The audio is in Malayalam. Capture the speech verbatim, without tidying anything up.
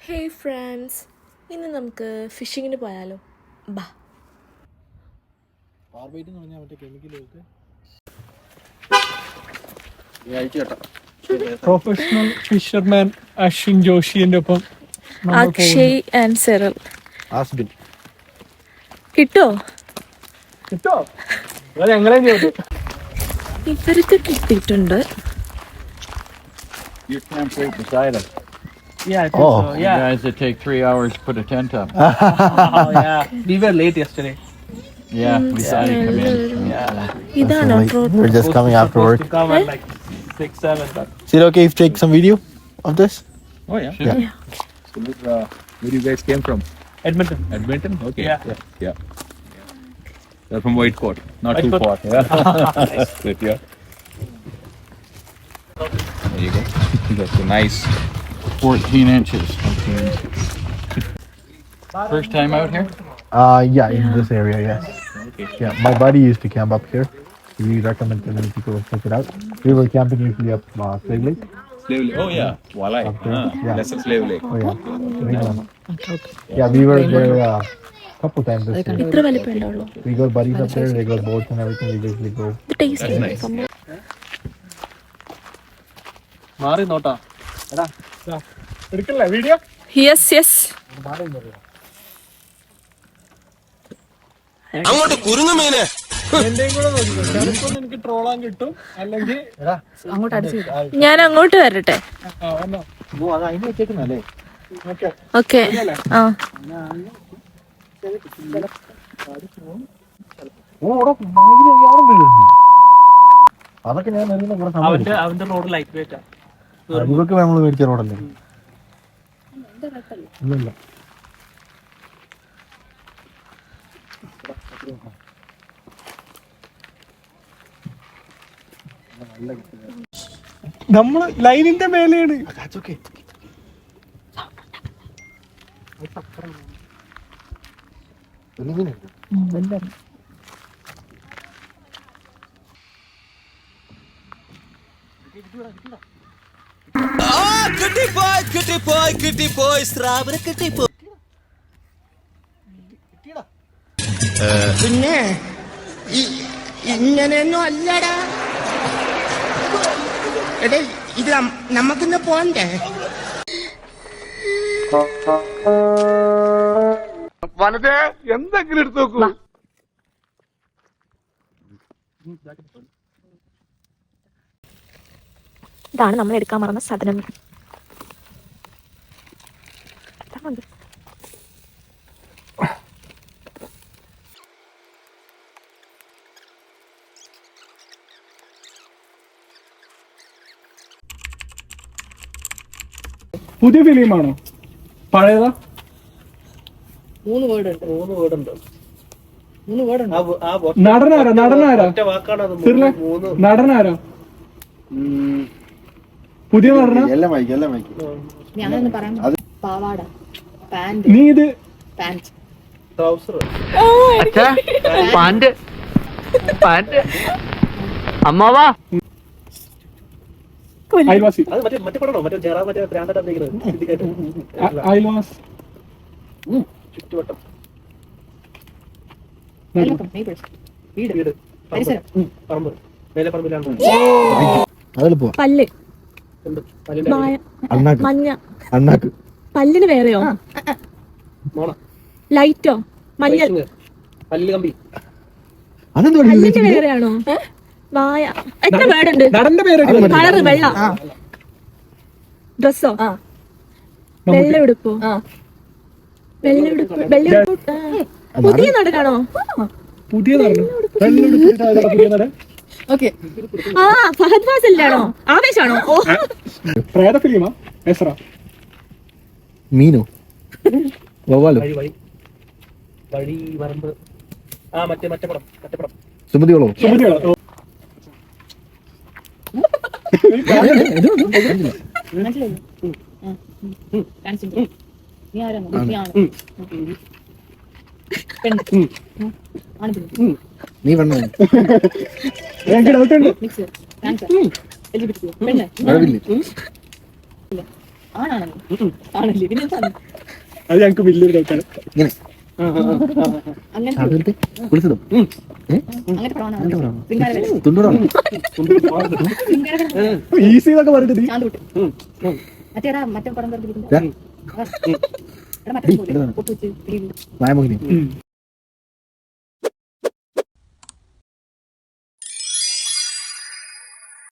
ഹേയ് ഫ്രണ്ട്സ്, ഇന്ന് നമുക്ക് ഫിഷിങ്ങിന് പോയാലോ? ബാ. പ്രൊഫഷണൽ ഫിഷർമാൻ അശ്വിൻ ജോഷിന്റെ ഒപ്പം അക്ഷയ് ആൻഡ് സെറൽ കിട്ടോ കിട്ടോ ഞങ്ങളെ ഇവർക്ക് കിട്ടിയിട്ടുണ്ട്. You camped right beside us. Yeah, I think Oh, so. you Yeah. guys that take three hours to put a tent up. Oh, yeah. We were late yesterday. Yeah, we saw you come in. Yeah. ഇതാണോ road? We're just coming after Supposed work. to come at like six, seven, but Is it okay if take some video of this? Oh yeah. Sure. Yeah. So, uh, where you guys came from? Edmonton. Edmonton. Okay. Yeah. Yeah. yeah. They're from Whitecourt. Not too Whitecourt. far. Yeah. Good, yeah. There you go. That's a nice. fourteen inches. First time out here? Uh, yeah, in this area, yes. Okay. Yeah, my buddy used to camp up here. We recommend to many people to check it out. We were camping usually up uh, Slave Lake. Slave Lake. Oh yeah. Walai. Okay. Ah, Yeah. That's a Slave Lake. Oh yeah. Big one. Yeah, we were there a uh, couple times this year. ഇത്ര വലിപ്പം ഉണ്ടാവുള്ളൂ. We got buddies up there. They got boats and everything. We usually go. ഇത് ടേസ്റ്റ് nice. മാറി നോട്ടാ എടാ എടുക്കല്ലേ വീഡിയോ? Yes yes. അങ്ങോട്ട് കുരുങ്ങുമീനെ എന്റെയും കൂടെ നോക്കിക്കോ. ചിലപ്പോ എനിക്ക് ട്രോളാൻ കിട്ടും, അല്ലെങ്കിൽ ഞാൻ അങ്ങോട്ട് വരട്ടെ. ആ വന്നോ. Oh, അത് അതിന് വെച്ചേക്കുന്നല്ലേ? ഓക്കെ. ഓക്കെ. ആ ഓ, അവിടെ ഭയങ്കര യാളം വീഴുന്നു. അതൊക്കെ ഞാൻ അറിയുന്ന കുറെ സമയം അവന്റെ അവന്റെ റോഡ് ലൈറ്റ് വെയിറ്റാ. ഇതൊക്കെ നമ്മൾ മേടിച്ച റോഡല്ലേ? ഇല്ലല്ല. നമ്മള് ലൈനിന്റെ മേലെയാണ്. കിട്ടിപ്പോയി കിട്ടിപ്പോയി കിട്ടിപ്പോയി സ്രാവിനെ കിട്ടിപ്പോയി. പിന്നെ ഇങ്ങനെയൊന്നും അല്ലടാ. എടേ ഇത് നമുക്കിന്ന് പോണ്ടേ? വലതേ എന്തെങ്കിലും എടുത്തു നോക്കൂ. ഇതാണ് നമ്മൾ എടുക്കാൻ മറന്ന സാധനം. പുതിയ ഫിലിമാണോ പഴയതാ? മൂന്ന് വേർഡ് ഉണ്ട് മൂന്ന് വേർഡ് ഉണ്ട് മൂന്ന് വേർഡ് ഉണ്ട്. നടനാരാ നടനാരാ നടനാരാ പുതിയ നടന? എല്ലാം വായിക്കും എല്ലാം വായിക്കും. ഞാനൊന്ന് പറയാൻ പാവാട പാന്റ് നീ ഇത് പാന്റ് ട്രൗസർ പാന്റ് പാന്റ് അമ്മാവാ അയൽവാസി അയൽവാസ് ചുറ്റുവട്ടം വീട് പരിസരം പല്ല്, അണ്ണാക്ക് മഞ്ഞ അണ്ണാക്ക് പല്ലിന് വേറെയോ? ലൈറ്റോ? മഞ്ഞൾ അതെന്തോ പല്ലിന് വേറെയാണോ? വായ. എത്ര വേർഡുണ്ട്? നടന്റെ പേര് കളറ് വെള്ള. ഡ്രസ്സോ? വെള്ള ഉടുപ്പോ? വെള്ള ഉടുപ്പ് വെള്ള ഉടുപ്പ്. പുതിയ നടനാണോ? പുതിയ നടൻ പുതിയ നടൻ ഓക്കെ. ആ ഫഹദ് ഫാസിലാണോ? ആവേശാണോ? ഓ പ്രേത ഫിലിമാ? എസ്ര മീനോ വവ്വാലോ വഴി വരമ്പ്. ആ മറ്റേ മറ്റേ പടം മറ്റേ പടം സുമതികളോ? സുമതികളോ? നീ ആരാണ്? നീയാണ് പെണ്ണ് ആണ് പെണ്ണ് നീ വേണോ? എനിക്ക് ഡൗട്ട് ഉണ്ട്. Mix answer L G B T പെണ്ണ് മഴവില്ലേ? ആണാണെന്ന് ആണല്ലേ പിന്നെ എന്താണ് അത് ഞങ്ങൾക്ക് വലിയൊരു ഡൗട്ടാണ്. ഇങ്ങനെ അങ്ങനത്തെ കുളിച്ചതും അങ്ങനത്തെ പ്രമാണമാണ് ശൃംഗാരവേല. തുണ്ടോടാണ് ശൃംഗാരവേല. ഈസി എന്നൊക്കെ പറഞ്ഞിട്ട് ശാന്തൂട്ട്. മറ്റേടാ മറ്റേ പടം പറഞ്ഞിരിക്കുന്നത്. എടാ മറ്റേ പോലെ. പൊട്ടുവെച്ച്, മായമോഹിനി